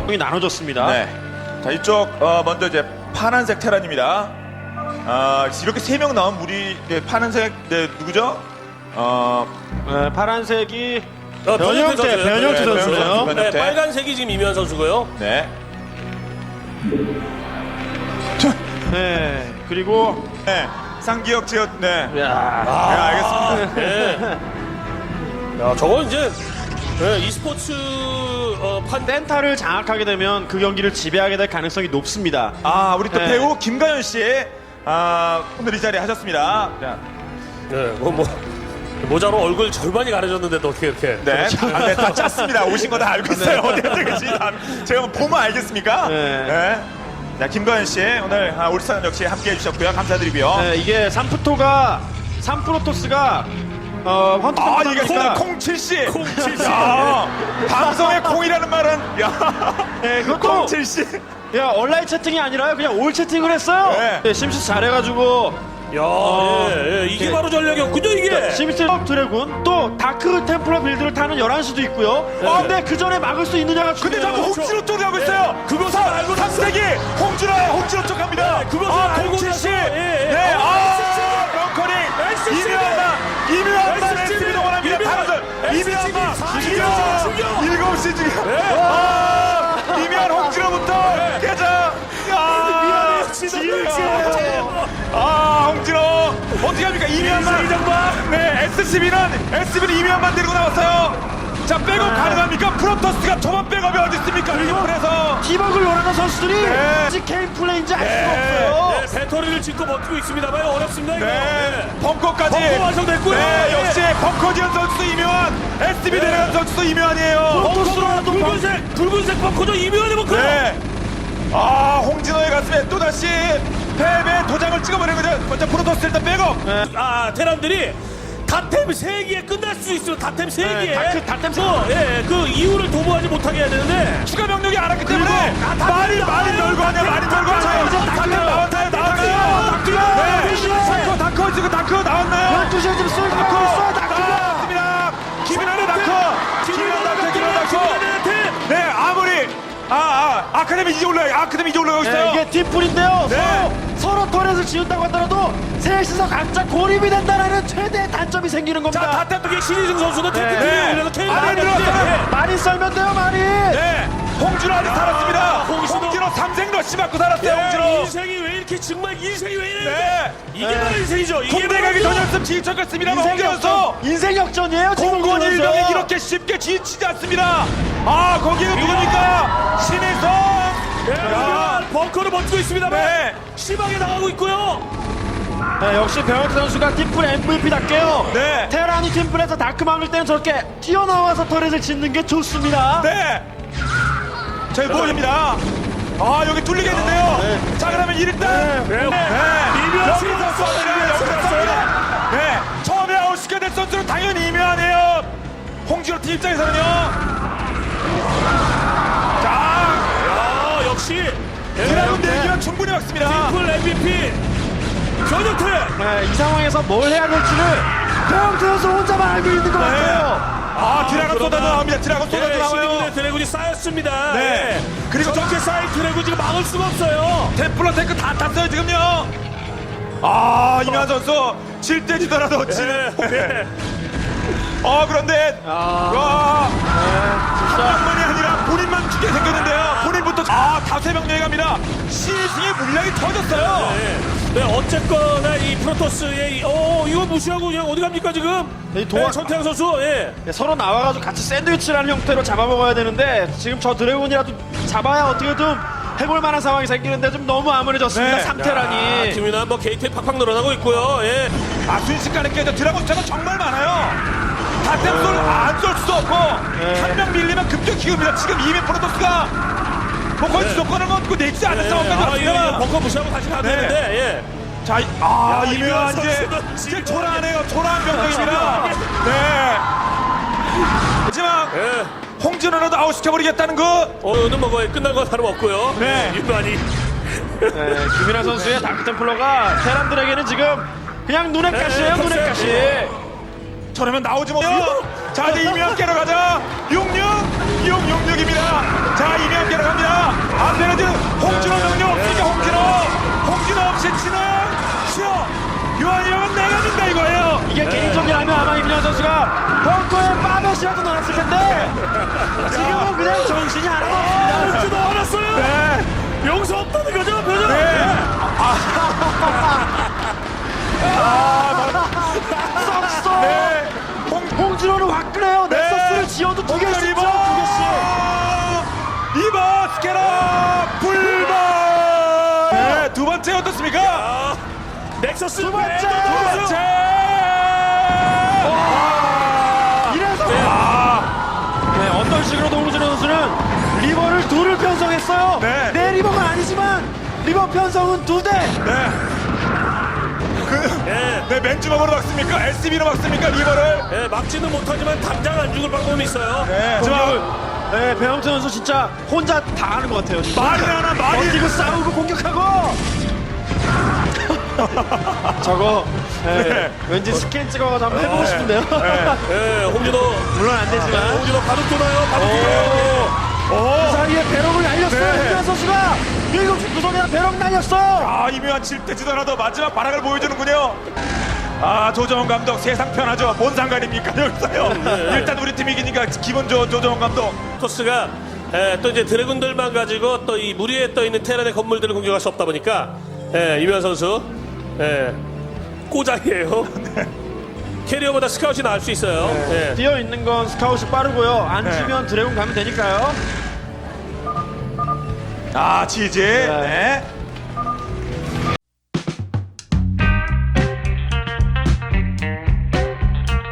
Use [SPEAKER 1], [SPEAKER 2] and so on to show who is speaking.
[SPEAKER 1] 나눠졌습니다.
[SPEAKER 2] 네. 자, 이쪽 먼저 이제 파란색 테란입니다. 이렇게 3명 나온 우리 파란색 누구죠?
[SPEAKER 1] 파란색이
[SPEAKER 3] 변형태 선수예요.
[SPEAKER 1] 변형태 선수예요.
[SPEAKER 2] 변형태.
[SPEAKER 3] 네, 빨간색이 지금 이면 선수고요.
[SPEAKER 2] 네.
[SPEAKER 1] 네. 그리고
[SPEAKER 2] 네. 쌍기역 지역. 네. 네,
[SPEAKER 1] 야.
[SPEAKER 2] 알겠습니다.
[SPEAKER 3] 네. 야, 저건 이제 e스포츠
[SPEAKER 1] 센터를 장악하게 되면 그 경기를 지배하게 될 가능성이 높습니다.
[SPEAKER 2] 우리 또
[SPEAKER 1] 네.
[SPEAKER 2] 배우 김가연 씨 오늘 이 자리에 하셨습니다. 자,
[SPEAKER 3] 네, 모자로 얼굴 절반이 가려졌는데도 어떻게 이렇게.
[SPEAKER 2] 네, 다 짰습니다. 오신 거 다 알고 있어요. 어디 계신지 제가 뭐 보면 알겠습니까?
[SPEAKER 1] 네.
[SPEAKER 2] 자, 김가연 씨 오늘 울산 역시 함께 해주셨고요. 감사드리고요.
[SPEAKER 1] 네, 이게 삼프로토스가
[SPEAKER 2] 이게 콩칠씨. 방송에 콩이라는 말은
[SPEAKER 1] 네, 그것도
[SPEAKER 2] 콩칠씨.
[SPEAKER 1] 온라인 채팅이 아니라요. 그냥 올 채팅을 했어요.
[SPEAKER 2] 네.
[SPEAKER 1] 네, 심시스 잘해가지고
[SPEAKER 3] 야, 이게 바로 전략이었군요, 이게.
[SPEAKER 1] 심시스 드래곤 또 다크 템플러 빌드를 타는 11시도 있고요. 근데 그 전에 막을 수 있느냐가
[SPEAKER 2] 근데
[SPEAKER 1] 중요해요.
[SPEAKER 2] 자꾸 홍진호 쪽으로 가고 있어요.
[SPEAKER 3] 그것을 알고 나서.
[SPEAKER 2] 3세기 홍진호 쪽 갑니다.
[SPEAKER 3] 그것을 알고
[SPEAKER 2] 홍진씨.
[SPEAKER 3] 나서.
[SPEAKER 2] 네, 벙커링. 이묘한만 SB 동원합니다. 다른들. 이묘한만. 죽여. 7시 죽여. 이묘한 홍진호부터 깨자. 홍진호 어떻게 합니까? 이묘한만. 네, SB는 이묘한만 데리고 나왔어요. 자, 백업 가능합니까? 프로토스가 초반 백업이 어디 있습니까? 그래서
[SPEAKER 1] 디버글 원하는 선수들이
[SPEAKER 2] 네.
[SPEAKER 1] 아직 게임 플레이인지 알 수가 없어요.
[SPEAKER 3] 네, 배터리를 짓고 버티고 있습니다만 어렵습니다, 이거.
[SPEAKER 2] 네, 벙커까지.
[SPEAKER 3] 벙커 완성됐고요.
[SPEAKER 2] 네,
[SPEAKER 3] 네.
[SPEAKER 2] 역시 벙커지연 선수도 이묘한, SB 데려간 선수도 이묘한이에요.
[SPEAKER 3] 벙커도 붉은색 벙커죠. 이면의 벙커.
[SPEAKER 2] 네. 홍진호의 가슴에 또다시 패배 도장을 찍어버리는 거죠. 먼저 프로토스 일단 백업.
[SPEAKER 3] 테란들이 다템 3개에 끝날 수 있어요. 다템 3개에.
[SPEAKER 1] 다템
[SPEAKER 3] 그 이유를 도모하지 못하게 해야 되는데.
[SPEAKER 2] 추가 병력이 안 왔기 때문에 말이 놀고 하냐.
[SPEAKER 1] 이제
[SPEAKER 2] 다크 나왔나요? 네. 다크 나왔나요?
[SPEAKER 1] 12시에 지금 쏠고 있어요.
[SPEAKER 2] 나왔습니다. 김인환의 다크. 네, 아무리 아카데미 이제 올라가고 있어요.
[SPEAKER 1] 이게 팀플인데요.
[SPEAKER 2] 네.
[SPEAKER 1] 서로 터렛을 지운다고 하더라도 셋이서 각자 고립이 된다는 최대의 단점이 생기는 겁니다.
[SPEAKER 3] 자, 다템 신희승 선수는
[SPEAKER 2] 네.
[SPEAKER 3] 탱크 올려서 케인
[SPEAKER 2] 안에 들어왔어요.
[SPEAKER 1] 많이 썰면 돼요, 많이.
[SPEAKER 2] 네, 홍진호 아직 살았습니다.
[SPEAKER 3] 홍진호.
[SPEAKER 2] 홍진호 3생 러시 맞고 살았어요. 홍진호.
[SPEAKER 3] 인생이 왜 이렇게 정말 인생이 왜 이래?
[SPEAKER 2] 네.
[SPEAKER 3] 이게 바로 인생이죠. 이게
[SPEAKER 2] 군대 가기 전이었으면 지휘쳤겠습니다. 홍진호 선수.
[SPEAKER 1] 인생 역전이에요. 지금
[SPEAKER 2] 공군
[SPEAKER 1] 홍진호
[SPEAKER 2] 일병이
[SPEAKER 1] 선수.
[SPEAKER 2] 이렇게 쉽게 지치지 않습니다. 거기는 누굽니까? 신혜성.
[SPEAKER 3] 벙커를 버티고 있습니다만
[SPEAKER 2] 네.
[SPEAKER 3] 심하게 당하고 있고요.
[SPEAKER 1] 역시 변혁 선수가 팀플 MVP답게요.
[SPEAKER 2] 네.
[SPEAKER 1] 테란이 팀플에서 다크 막을 때는 저렇게 튀어나와서 터렛을 짓는 게 좋습니다.
[SPEAKER 2] 네. 저희 보입니다. 여기 뚫리겠는데요. 자, 그러면 일단
[SPEAKER 3] 이묘한
[SPEAKER 2] 여기서 쏩니다. 네. 처음에 아웃시켜야 될 선수는 당연히 이묘하네요. 홍진호 팀 입장에서는요.
[SPEAKER 3] 역시
[SPEAKER 2] 드라군 대기는 충분히 막습니다.
[SPEAKER 3] 풀 MVP 변혁태.
[SPEAKER 1] 이 상황에서 뭘 해야 될지를 변혁 선수 혼자만 알고 있는 것 같아요.
[SPEAKER 2] 드라군 쏟아져 나옵니다. 드라군 쏟아져 나와요.
[SPEAKER 3] 신인군의 드래곤이 쌓였습니다.
[SPEAKER 2] 네.
[SPEAKER 3] 그리고 저렇게 쌓인 드래곤 지금 막을 수가 없어요.
[SPEAKER 2] 템플러 탱크 다 탔어요 지금요. 이면 선수 질 때 지더라도
[SPEAKER 3] 네.
[SPEAKER 2] 그런데 한 명만이 아니라 본인만 죽게 생겼는데요. 본인부터 다수의 병력이 갑니다. 신승의 물량이 터졌어요.
[SPEAKER 3] 네, 어쨌거나 이 프로토스의 이거 무시하고 그냥 어디 갑니까 지금? 전태양 선수.
[SPEAKER 1] 서로 나와가지고 같이 샌드위치라는 형태로 잡아먹어야 되는데 지금 저 드래곤이라도 잡아야 어떻게든 해볼 만한 상황이 생기는데 좀 너무 암울해졌습니다.
[SPEAKER 2] 네.
[SPEAKER 3] 야, 김윤환 게이트에 팍팍 늘어나고 있고요.
[SPEAKER 2] 순식간에 깨져 드라곤 숫자가 정말 많아요. 다템솔 안쏠 수도 없고 한 명 밀리면 급격 키웁니다. 지금 이미 프로토스가 거의 주도권을 얻고 내지 않은 상황까지 왔습니다.
[SPEAKER 3] 벙커 무시하고 다시 가야 되는데.
[SPEAKER 2] 자, 이묘한 이제 초라하네요. 초라한 병력입니다. 네. 마지막 홍진호라도 아웃시켜버리겠다는 거.
[SPEAKER 3] 오늘 거의 끝난 건 다름없고요.
[SPEAKER 2] 네.
[SPEAKER 3] 윤환이.
[SPEAKER 1] 김민아 선수의 다크템플러가 테란들에게는 지금 그냥 눈에 가시예요. 눈에 가시.
[SPEAKER 2] 저러면 나오지 못해요. 자, 이제 이묘한 깨러 가자. 66입니다. 자, 이묘한 깨러 갑니다.
[SPEAKER 1] 이게 개인전이라면 아마 임현 선수가 벙커에 빠벳이라도 넣었을 텐데 지금은 그냥 정신이 하나도 없습니다.
[SPEAKER 3] 도 알았어요.
[SPEAKER 2] 네.
[SPEAKER 3] 용서 없다는 거죠, 표정.
[SPEAKER 2] 네.
[SPEAKER 1] 썩
[SPEAKER 2] 네.
[SPEAKER 1] 홍진호는 화끈해요. 넥서스를 지어도 두 개씩
[SPEAKER 2] 리버!
[SPEAKER 1] 두 개씩.
[SPEAKER 2] 리버 스캐너 불발. 네, 두 번째 어떻습니까?
[SPEAKER 3] 넥서스
[SPEAKER 1] 두 번째!
[SPEAKER 3] 두
[SPEAKER 2] 두 번째.
[SPEAKER 1] 이래서 네, 어떤 식으로도 홍진호 선수는 리버를 둘을 편성했어요.
[SPEAKER 2] 네.
[SPEAKER 1] 내 리버가 아니지만 리버 편성은 두 대.
[SPEAKER 2] 네. 네, 맨주먹으로 막습니까? SB로 막습니까? 리버를.
[SPEAKER 3] 예, 막지는 못하지만 당장 안 죽을 방법이 있어요.
[SPEAKER 2] 네,
[SPEAKER 1] 공격을 네, 배영태 선수 진짜 혼자 다 하는 것 같아요. 진짜.
[SPEAKER 2] 말이 하나 말이.
[SPEAKER 1] 버티고 싸우고 공격하고. 저거
[SPEAKER 2] 네.
[SPEAKER 1] 왠지 스캔 찍어가지고 한번 해보고 싶은데요.
[SPEAKER 3] 예, 홍진호.
[SPEAKER 1] 물론 안 되지만
[SPEAKER 3] 홍진호 바둑 도나요? 바둑 도나요?
[SPEAKER 1] 그 사이에 배럭을 날렸어요.
[SPEAKER 2] 네.
[SPEAKER 1] 임현 선수가 밀고 구석에다 배럭 날렸어요.
[SPEAKER 2] 아, 이묘한 칠대지더라도 마지막 발악을 보여주는군요. 아, 조정원 감독 세상 편하죠. 뭔 상관입니까? 여기서요. 일단 우리 팀이 이기니까 기분 좋은 조정원 감독.
[SPEAKER 3] 토스가 또 이제 드래곤들만 가지고 또 이 물 위에 떠 있는 테란의 건물들을 공격할 수 없다 보니까 이면 선수 꼬장이에요. 캐리어보다 스카웃이 나을 수 있어요. 예.
[SPEAKER 1] 뛰어 있는 건 스카웃이 빠르고요. 안 주면 드래곤 가면 되니까요.
[SPEAKER 2] 아, 지지. 네.